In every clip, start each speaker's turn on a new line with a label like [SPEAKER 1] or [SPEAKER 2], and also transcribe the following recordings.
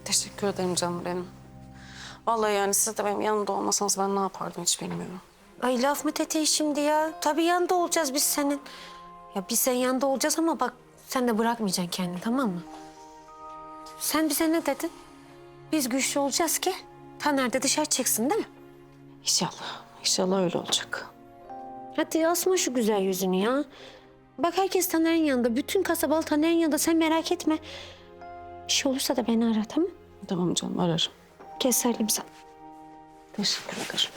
[SPEAKER 1] Teşekkür ederim canım benim. Vallahi yani siz de benim yanımda olmasanız ben ne yapardım hiç bilmiyorum.
[SPEAKER 2] Ay laf mı Tete şimdi ya? Tabii yanında olacağız biz senin. Ya biz senin yanında olacağız ama bak sen de bırakmayacaksın kendini, tamam mı? Sen bize ne dedin? Biz güçlü olacağız ki Taner de dışarı çıksın değil mi?
[SPEAKER 1] İnşallah. İnşallah öyle olacak.
[SPEAKER 2] Hadi asma şu güzel yüzünü ya. Bak herkes Taner'in yanında. Bütün kasabalı Taner'in yanında. Sen merak etme. Bir şey olursa da beni ara, tamam mı?
[SPEAKER 1] Tamam canım, ararım.
[SPEAKER 2] Gel sarılayım sana.
[SPEAKER 1] Teşekkür ederim.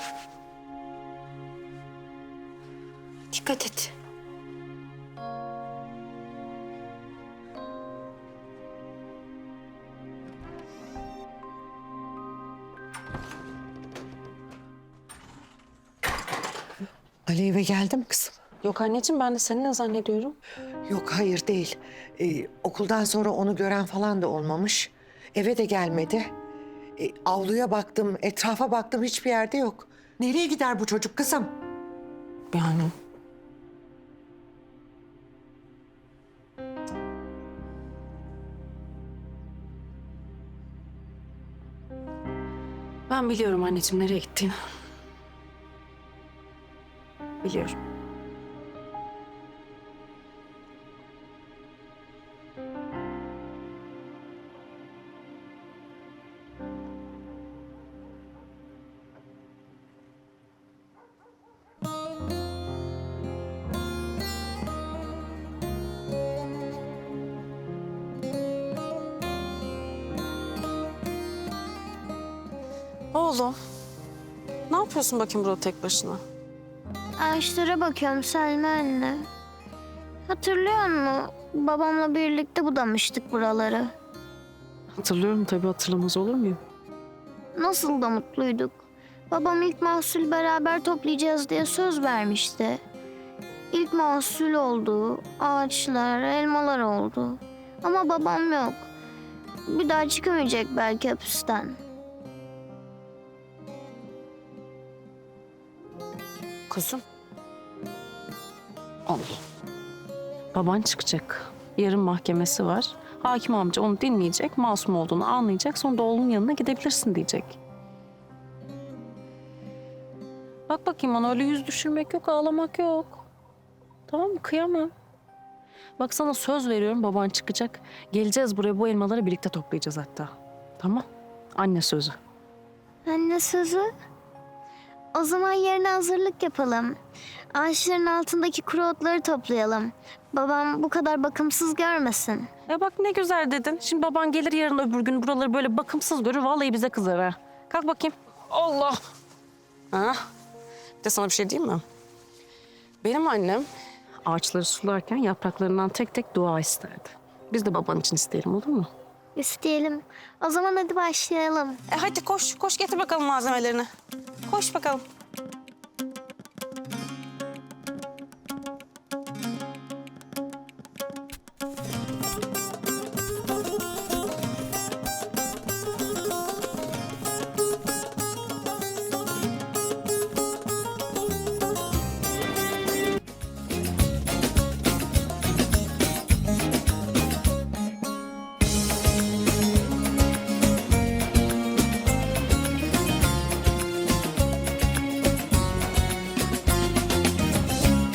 [SPEAKER 2] Dikkat et.
[SPEAKER 3] Ali eve geldi mi kızım?
[SPEAKER 1] Yok anneciğim, ben de seninle zannediyorum.
[SPEAKER 3] Yok hayır değil. Okuldan sonra onu gören falan da olmamış. Eve de gelmedi. Avluya baktım, etrafa baktım hiçbir yerde yok. Nereye gider bu çocuk kızım?
[SPEAKER 1] Yani... Ben biliyorum anneciğim nereye gittiğini. Biliyorum. Oğlum, ne yapıyorsun bakayım burada tek başına?
[SPEAKER 4] Ağaçlara bakıyorum Selma anne. Hatırlıyor musun? Babamla birlikte budamıştık buraları.
[SPEAKER 1] Hatırlıyorum tabii, hatırlamaz olur muyum?
[SPEAKER 4] Nasıl da mutluyduk. Babam ilk mahsul beraber toplayacağız diye söz vermişti. İlk mahsul oldu, ağaçlar, elmalar oldu. Ama babam yok. Bir daha çıkamayacak belki hapisten.
[SPEAKER 1] Kuzum. Allah. Baban çıkacak. Yarın mahkemesi var. Hakim amca onu dinleyecek, masum olduğunu anlayacak. Sonra da oğlunun yanına gidebilirsin diyecek. Bak bakayım bana, öyle yüz düşürmek yok, ağlamak yok. Tamam mı? Kıyamam. Bak sana söz veriyorum, baban çıkacak. Geleceğiz buraya, bu elmaları birlikte toplayacağız hatta. Tamam? Anne sözü.
[SPEAKER 4] Anne sözü. O zaman yarına hazırlık yapalım. Ağaçların altındaki kuru otları toplayalım. Babam bu kadar bakımsız görmesin.
[SPEAKER 1] Ya bak ne güzel dedin. Şimdi baban gelir yarın öbür gün buraları böyle bakımsız görür. Vallahi bize kızar ha. Kalk bakayım. Allah. Ha? Bir de sana bir şey diyeyim mi? Benim annem ağaçları sularken yapraklarından tek tek dua isterdi. Biz de baban için isteyelim, olur mu?
[SPEAKER 4] İsteyelim. O zaman hadi başlayalım.
[SPEAKER 1] Hadi koş, koş getir bakalım malzemelerini. Koş bakalım.